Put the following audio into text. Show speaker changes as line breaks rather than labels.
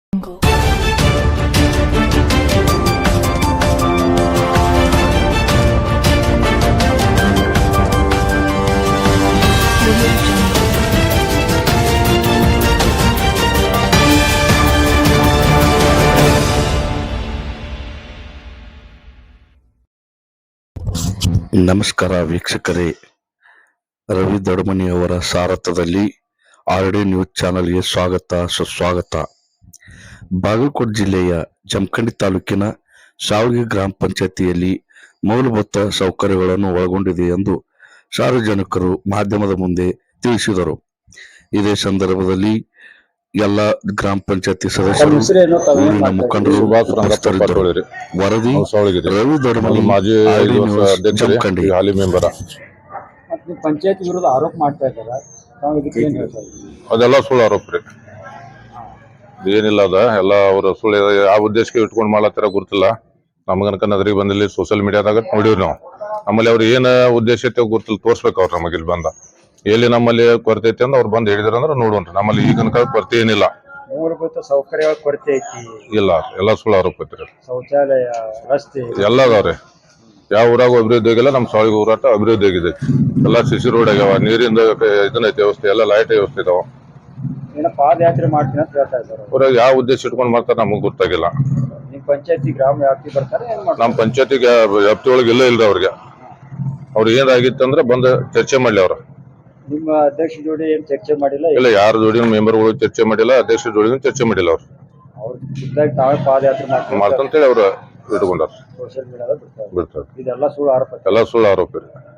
ನಮಸ್ಕಾರ ವೀಕ್ಷಕರೇ, ರವಿ ದೊಡಮನಿ ಅವರ ಸಾರಥ್ಯದಲ್ಲಿ RD ನ್ಯೂಸ್ ಚಾನೆಲ್ಗೆ ಸುಸ್ವಾಗತ. ಬಾಗಲಕೋಟೆ ಜಿಲ್ಲೆಯ ಜಮಖಂಡಿ ತಾಲೂಕಿನ ಶಾವಗಿ ಗ್ರಾಮ ಪಂಚಾಯತಿಯಲ್ಲಿ ಮೂಲಭೂತ ಸೌಕರ್ಯಗಳನ್ನು ಒಳಗೊಂಡಿದೆ ಎಂದು ಸಾರ್ವಜನಿಕರು ಮಾಧ್ಯಮದ ಮುಂದೆ ತಿಳಿಸಿದರು. ಇದೇ ಸಂದರ್ಭದಲ್ಲಿ ಎಲ್ಲ ಗ್ರಾಮ ಪಂಚಾಯತಿ ಸದಸ್ಯರು, ಊರಿನ ಮುಖಂಡರು ಉಪಸ್ಥಿತರಿದ್ದರು. ವರದಿ ರವಿ ದೊಡಮನಿ, RD ನ್ಯೂಸ್, ಜಮಖಂಡಿ.
ಹಾಲಿ ಮೆಂಬರ್
ಪಂಚಾಯತ್ ವಿರುದ್ಧ ಆರೋಪ ಮಾಡ್ತಾ ಇದ್ದಾರೆ,
ಅದೆಲ್ಲ ಸುಳ್ಳು ಆರೋಪ ರೀ. ಏನಿಲ್ಲ, ಅದ ಎಲ್ಲ ಅವ್ರ ಸುಳ್ಳು ಯಾವ ಉದ್ದೇಶಕ್ಕೆ ಇಟ್ಕೊಂಡು ಮಾಡ್ಲತ್ತಾರ ಗೊತ್ತಿಲ್ಲ. ನಮಗನಕ ನಗರಿಗೆ ಬಂದಿಲ್ಲ, ಸೋಷಿಯಲ್ ಮೀಡಿಯಾದಾಗ ನೋಡಿವ್ರಿ ನಾವು. ನಮ್ಮಲ್ಲಿ ಅವ್ರು ಏನ ಉದ್ದೇಶ ಐತೆ ಗೊತ್ತಿಲ್ಲ, ತೋರ್ಸ್ಬೇಕು ಅವ್ರು ನಮಗೆ ಇಲ್ಲಿ ಬಂದ. ಎಲ್ಲಿ ನಮ್ಮಲ್ಲಿ ಕೊರತೆ ಐತಿ ಅಂತ ಅವ್ರು ಬಂದು ಹೇಳಿದ್ರ ಅಂದ್ರೆ ನೋಡೋಣ್ರಿ. ನಮ್ಮಲ್ಲಿ ಈಗನಕ ಕೊರತೆ ಏನಿಲ್ಲ,
ಮೂಲಭೂತ ಸೌಕರ್ಯಗಳ ಕೊರತೆ ಐತಿ.
ಇಲ್ಲ, ಎಲ್ಲ ಸುಳ್ಳು ಆರೋಪ ಐತ್ರಿ.
ಶೌಚಾಲಯ, ರಸ್ತೆ
ಎಲ್ಲ ಅದಾವ್ರಿ. ಯಾವ ಊರಾಗ ಅಭಿವೃದ್ಧಿ ಆಗಿಲ್ಲ, ನಮ್ಮ ಸಾವಯವ ಊರಾಟ ಅಭಿವೃದ್ಧಿ ಆಗಿದೆ. ಎಲ್ಲ ಸಿಸಿ ರೋಡ್ ಆಗ್ಯಾವ, ನೀರಿಂದ ಇದನ್ನೈತಿ ವ್ಯವಸ್ಥೆ, ಎಲ್ಲ ಲೈಟ್ ವ್ಯವಸ್ಥೆ ಇದಾವ.
ಪಾದಯಾತ್ರೆ ಮಾಡ್ತೀನಿ ಅಂತ ಹೇಳ್ತಾ ಇದ್ದಾರೆ.
ಊರಾಗ ಯಾವ ಉದ್ದೇಶ ಇಟ್ಕೊಂಡು ಮಾಡ್ತಾರೆ ನಮಗ್ ಗೊತ್ತಾಗಿಲ್ಲ.
ನಿಮ್ ಪಂಚಾಯತಿ ಗ್ರಾಮ ವ್ಯಾಪ್ತಿ ಬರ್ತಾರೆ,
ನಮ್ಮ ಪಂಚಾಯತಿಗೆ ವ್ಯಾಪ್ತಿ ಒಳಗೆ ಇಲ್ಲ ಇಲ್ರಿ. ಅವ್ರಿಗೆ ಅವ್ರು ಏನಾಗಿತ್ತಂದ್ರೆ ಬಂದು ಚರ್ಚೆ ಮಾಡ್ಲಿ. ಅವ್ರ
ನಿಮ್ಮ ಅಧ್ಯಕ್ಷ ಜೋಡಿ ಏನ್ ಚರ್ಚೆ ಮಾಡಿಲ್ಲ?
ಇಲ್ಲ, ಯಾರ ಜೋಡಿ ಮೆಂಬರ್ಗಳು ಚರ್ಚೆ ಮಾಡಿಲ್ಲ, ಅಧ್ಯಕ್ಷ ಜೋಡಿ ಚರ್ಚೆ ಮಾಡಿಲ್ಲ.
ಅವ್ರು ಖುದ್ದಾಗಿ ತಾವೇ ಪಾದಯಾತ್ರೆ
ಮಾಡ್ತಂತೇಳಿ ಅವ್ರು ಇಟ್ಕೊಂಡಾರ.
ಸೋಷಿಯಲ್ ಮೀಡಿಯಾದಾಗ
ಬಿಡ್ತಾರೆ.
ಇದೆಲ್ಲ ಸುಳ್ಳು ಆರೋಪ.
ಎಲ್ಲ ಸುಳ್ಳು ಆರೋಪ ರೀ.